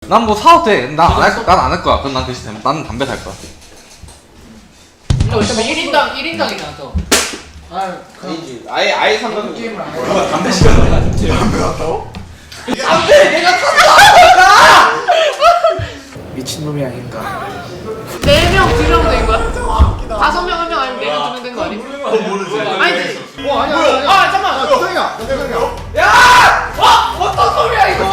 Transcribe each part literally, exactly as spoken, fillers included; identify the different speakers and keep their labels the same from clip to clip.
Speaker 1: 난 뭐 사도 돼. 난 안 할, 난 안 할 거야. 그럼 난 대신 나는 담배 살 거야.
Speaker 2: 너 지금 일 인당 일 인당이잖아 또.
Speaker 3: 아, 아니지. 아예 아예 상관없는
Speaker 4: 게임을 안 해.
Speaker 3: 누가 담배 시간을 가졌지.
Speaker 4: 담배 왔다고?
Speaker 3: 담배 내가 샀어.
Speaker 4: 미친놈이 아닌가.
Speaker 2: 네 명, 두 명 된 거야? 다섯 명, 한 명 아니면 네 명, 두 명 된 거 아니?
Speaker 3: 모르지.
Speaker 2: 아니지.
Speaker 4: 어, 아니야,
Speaker 2: 뭐야?
Speaker 4: 아니야.
Speaker 2: 아, 잠깐만.
Speaker 4: 야, 수정이야, 수정이야.
Speaker 2: 야! 와! 어떤 소리야 이거?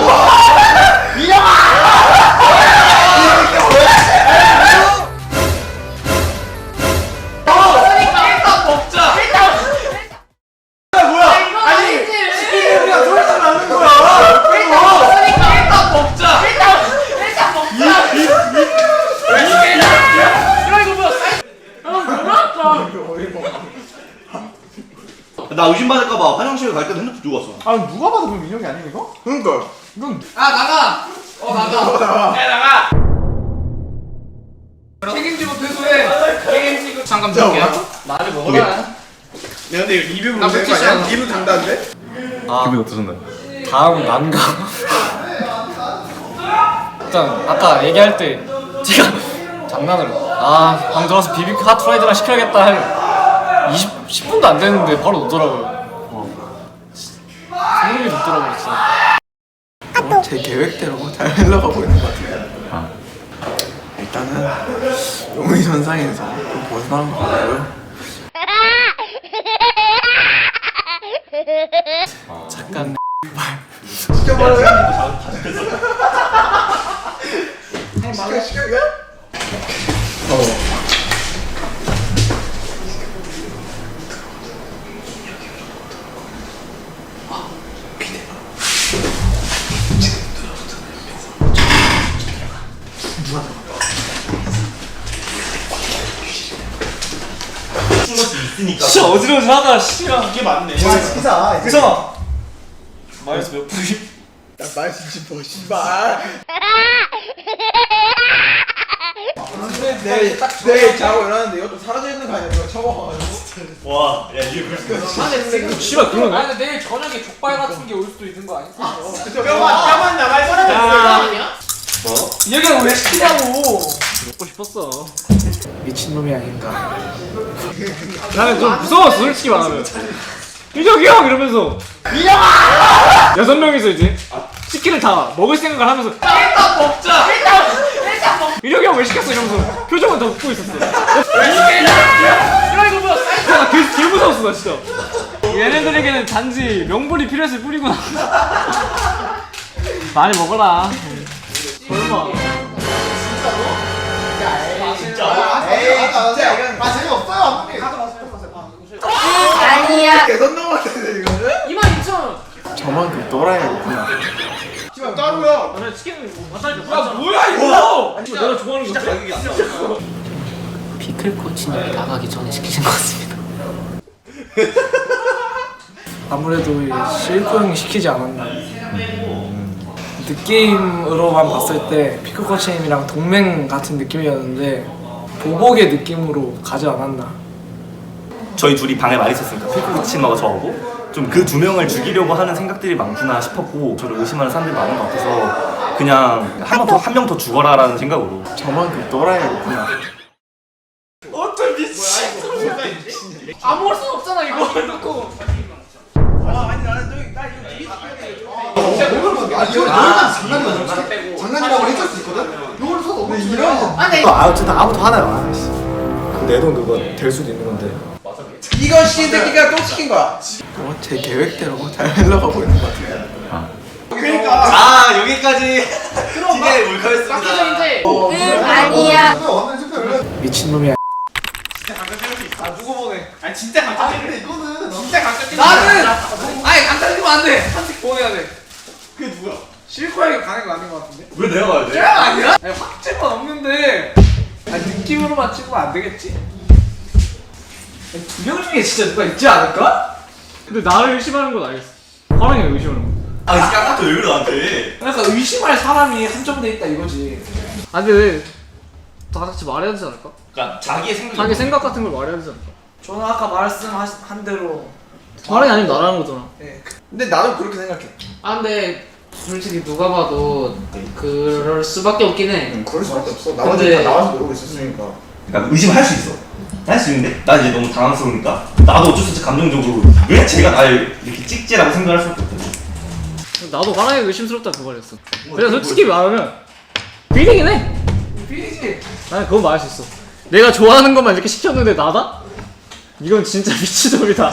Speaker 3: 나 의심받을까봐 화장실 갈 때도 핸드폰 두고 왔어.
Speaker 4: 아, 누가 봐도 그럼 민혁이 아니야, 이거? 그러니까. 이건.
Speaker 2: 아 나가. 어 나가.
Speaker 4: 어, 나가.
Speaker 2: 야 나가. 책임지고 퇴소해. 책임지고. 잠깐 볼게요. 말을 먹어라.
Speaker 4: 야, 근데 이거 리뷰
Speaker 2: 나
Speaker 4: 문제인 거
Speaker 2: 물티슈
Speaker 4: 아니야?
Speaker 2: 하나.
Speaker 4: 리뷰 장단데?
Speaker 1: 기분 어떠셨나요?
Speaker 5: 다음 난감. 일단 아까 얘기할 때 제가 장난으로 아 방 들어와서 비비큐 핫프라이드나 시켜야겠다 할 이십, 십 분도 안 됐는데 바로 오더라고요. 소름이 돋더라고요 진짜.
Speaker 4: 어, 제 계획대로 잘 흘러가고 있는 것 같아요. 일단은 용의 전상에서 좀 벗어나는 것 같고요.
Speaker 5: 잠깐
Speaker 4: 시켜버려요? 시켜, 시켜, 이거? 어.
Speaker 3: 있으니까.
Speaker 5: 진짜 어지러워하다 씨야.
Speaker 3: 이게 맞네.
Speaker 4: 와, 시키자.
Speaker 5: 그래서 마이너스 몇 분이
Speaker 4: 야, 말 진짜 뭐, 씨발. 내일, 내일 자고 일어났는데 이것도 사라져 있는 거 아니야? 누가 쳐먹어가지고.
Speaker 3: 와, 야 이게 그렇게.
Speaker 2: 아니
Speaker 5: 씨발 그러네.
Speaker 2: 아니 근데 내일 저녁에 족발 같은 게 올 수도 있는 거 아니야?
Speaker 4: 뼈만, 뼈만 남아있어.
Speaker 2: 아니야?
Speaker 5: 이 얘기를 왜 시키냐고. 먹고 싶었어.
Speaker 4: 미친놈이 아닌가.
Speaker 5: 나는 좀 무서웠어 솔직히 말하면. 민혁이 형 이러면서 민혁아! 여섯 명이서 이제 치킨을 다 먹을 생각을 하면서
Speaker 2: 일단 먹자. 일단 일단 먹.
Speaker 5: 민혁이 형 왜 시켰어 이러면서 표정은 다 웃고 있었어.
Speaker 2: 이거 이거 뭐야?
Speaker 5: 나 개, 개 무서웠어 나 진짜. 얘네들에게는 단지 명분이 필요했을 뿐이구나. 많이 먹어라. 설마.
Speaker 4: 진짜? 에이, 진짜. 아, 재미없어요, 한 번에.
Speaker 2: 아니야.
Speaker 4: 개선 넘었는데, 이거는?
Speaker 2: 이만 이천 원.
Speaker 4: 저만큼 놀아야겠구나. 씨발, 따로야.
Speaker 5: 나 치킨을 갖다 줘.
Speaker 2: 야 뭐야 이거?
Speaker 5: 내가 좋아하는 거
Speaker 3: 가격이 안 나와.
Speaker 2: 피클 코치님 나가기 전에 시키신 것 같습니다.
Speaker 4: 아무래도 이 실코 형이 시키지 않았나. 느낌으로만 봤을 때 피크 코치님이랑 동맹 같은 느낌이었는데 보복의 느낌으로 가지 않았나.
Speaker 6: 저희 둘이 방에 많이 있었으니까 피크코치님하고 저하고 좀 그 두 명을 죽이려고 하는 생각들이 많구나 싶었고 저를 의심하는 사람들이 많은 것 같아서 그냥 한 명 더 한 명 더 죽어라라는 생각으로
Speaker 4: 저만큼 놀아야겠구나.
Speaker 3: 어떤 미친.
Speaker 2: 아무럴 순 없잖아 이거 놓고.
Speaker 4: 아, 이거 장난이야. 장난이라고 해줄 수 있거든? 이걸 써도 없는 이런.
Speaker 2: 아니
Speaker 4: 아, 어쨌든 아무도 하나요. 내 돈 그거 될 수도 있는 건데. 이거 씨 새끼가 또 시킨 거야. 어, 제 계획대로 잘 흘러가고 있는 것 같아요. 그러니까.
Speaker 3: 자 여기까지 진행의 몰카였습니다.
Speaker 2: 박희정 이제
Speaker 4: 어,
Speaker 2: 응 아니야.
Speaker 4: 미친놈이야.
Speaker 2: 아 누구 보내?
Speaker 3: 아니 진짜
Speaker 4: 아,
Speaker 3: 강제.
Speaker 4: 근데 이거는
Speaker 2: 진짜 강제 뛰는 나는 아니 강제 뛰면 안 돼. 한식 보내야 돼.
Speaker 3: 그게 누구야?
Speaker 2: 실코에게 가는 거 아닌 것 같은데?
Speaker 3: 왜 내가 가야 돼?
Speaker 2: 쟤가 아니야? 아니 확증은 없는데. 아니 느낌으로만 찍으면 안 되겠지? 두 명 중에 진짜 누가 있지 않을까?
Speaker 5: 근데 나를 의심하는 건 알겠어. 화랑이가 의심하는 거.
Speaker 3: 아 이렇게 아까도 왜 그래 나한테?
Speaker 2: 그러니까 의심할 사람이 한정돼 있다 이거지.
Speaker 5: 아 근데 왜 다 같이 말해야 되지 않을까?
Speaker 3: 그러니까 자기의 생각.
Speaker 5: 자기 생각 같은 걸 말해야 되지 않을까?
Speaker 2: 저는 아까 말씀한 대로
Speaker 5: 화랑이 아니면 나라는 거잖아.
Speaker 4: 네. 근데 나도 그렇게 생각해.
Speaker 2: 아 근데 솔직히 누가 봐도 그럴 수밖에 없긴 해.
Speaker 4: 응, 그럴 수밖에 없어. 나머지
Speaker 2: 근데-
Speaker 4: 다 나와서 노리고 있었으니까.
Speaker 3: 그러니까 의심할 수 있어. 할 수 있는데 나 이제 너무 당황스러우니까 나도 어쩔 수 없이 감정적으로 왜 제가 날 이렇게 찍지라고 생각할 수밖에 없거든.
Speaker 5: 나도 화나게 의심스럽다 그 말이었어. 그냥 솔직히 말하면 비리긴 해.
Speaker 2: 비리지.
Speaker 5: 나는 그건 말할 수 있어. 내가 좋아하는 것만 이렇게 시켰는데 나다? 이건 진짜 미치적이다.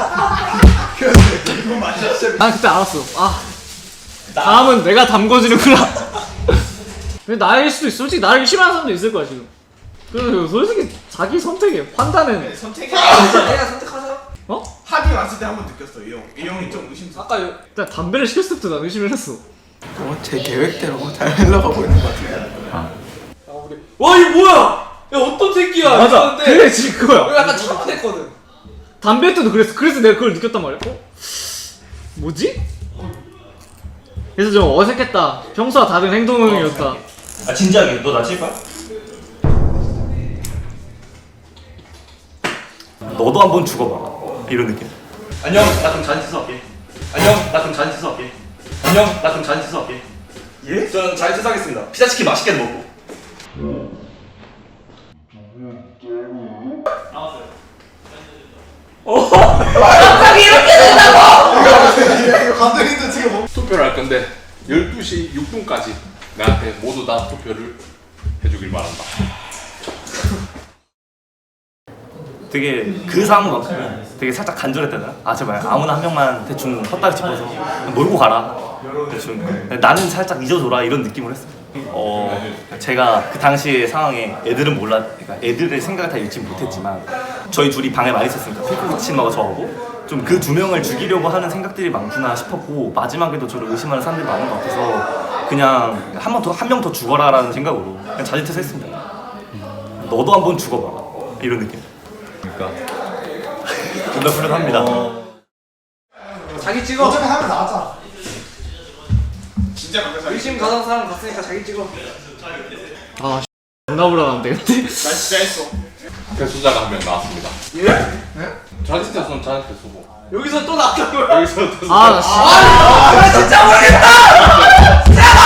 Speaker 5: 난 그때 알았어. 아, 다음은 내가 담궈지는구나. 근데 나일 수도 있어. 솔직히 나를 싫어하는 사람도 있을 거야 지금. 그래서 솔직히 자기 선택에 판단은
Speaker 4: 선택이
Speaker 2: 내가 선택하자.
Speaker 5: 어?
Speaker 4: 합이 왔을 때 한 번 느꼈어. 이 형. 이 형이 좀 의심스럽.
Speaker 2: 아까 요-
Speaker 5: 일단 담배를 시켰을 때부터 난 의심을 했어.
Speaker 4: 어, 제 계획대로 잘 흘러가고 있는 것 같아요.
Speaker 2: 와 이거 뭐야? 야 어떤 새끼야?
Speaker 5: 맞아.
Speaker 2: 이러는데
Speaker 5: 그래 지금
Speaker 2: 이거
Speaker 5: 그거야.
Speaker 2: 약간 차분했거든.
Speaker 5: 담배 때도 그랬어. 그래서 내가 그걸 느꼈단 말이야. 어? 뭐지? 그래서 좀 어색했다. 평소와 다른 행동이었다.
Speaker 3: 아 진지하게 너 나 칠 거야?
Speaker 6: 너도 한번 죽어봐. 이런 느낌.
Speaker 3: 안녕 나 그럼 자진 취소할게. 안녕 나 그럼 자진 취소할게. 안녕 나 그럼 자진 취소할게. 예? 저는 자진 취소하겠습니다. 피자치킨 맛있게 먹고.
Speaker 4: 감독님도 지금 뭐?
Speaker 7: 투표를 할 건데 열두 시 육 분까지 나한테 모두 다 투표를 해주길 바란다.
Speaker 6: 되게 그 상황만큼 되게 살짝 간절했다. 아 제발 아무나 한 명만 대충 헛다리 짚어서 몰고 가라. 대충 나는 살짝 잊어줘라 이런 느낌을 했어요. 어 제가 그 당시의 상황에 애들은 몰라, 그러니까 애들의 생각을 다 읽지 못했지만 저희 둘이 방에 많이 있었으니까 필코치마가 저하고 좀 그 두 명을 죽이려고 하는 생각들이 많구나 싶었고 마지막에도 저를 의심하는 사람들이 많은 것 같아서 그냥 한 번 더 한 명 더 죽어라라는 생각으로 그냥 자진퇴사했습니다. 너도 한번 죽어봐 이런 느낌.
Speaker 3: 그러니까
Speaker 6: 존나 훌륭합니다.
Speaker 2: 자기 찍어.
Speaker 4: 어차피 하면 나왔잖아. 진짜 감사.
Speaker 2: 의심 가는 사람 갔으니까 자기 찍어.
Speaker 5: 아, 존나 불안한데 근데.
Speaker 4: 나 진짜 했어.
Speaker 7: 패소자가 한 명 나왔습니다.
Speaker 2: 예? 네?
Speaker 7: 자진 퇴소는 자진 퇴소고
Speaker 2: 여기서 또 나간 거야.
Speaker 7: 여기서 또
Speaker 5: 아, 나 씨.
Speaker 2: 아 진짜 모르겠다.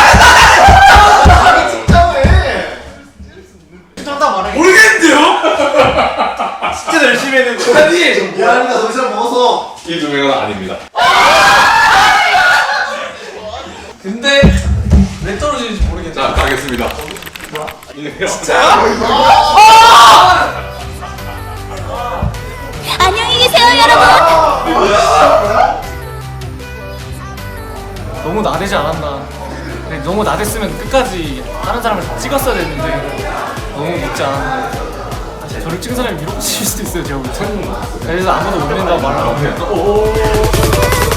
Speaker 4: 진짜 왜? 정답 말해.
Speaker 2: 모르겠는데요? 진짜 열심히 했는데. 아니.
Speaker 4: 미안합니다. 더 이상 먹어서.
Speaker 7: 이 두 명은 아닙니다.
Speaker 2: 근데 왜 떨어지는지 모르겠네.
Speaker 7: 자 가겠습니다. 이래요.
Speaker 8: 안녕히 계세요, 여러분.
Speaker 5: 너무 나대지 않았나. 근데 너무 나댔으면 끝까지 다른 사람을 다 찍었어야 됐는데 너무 늦지 않았나. 저를 찍은 사람이 밀어붙일 수도 있어요, 제가 볼 때. 그래서 아무도 못 믿는다고 말하는 거.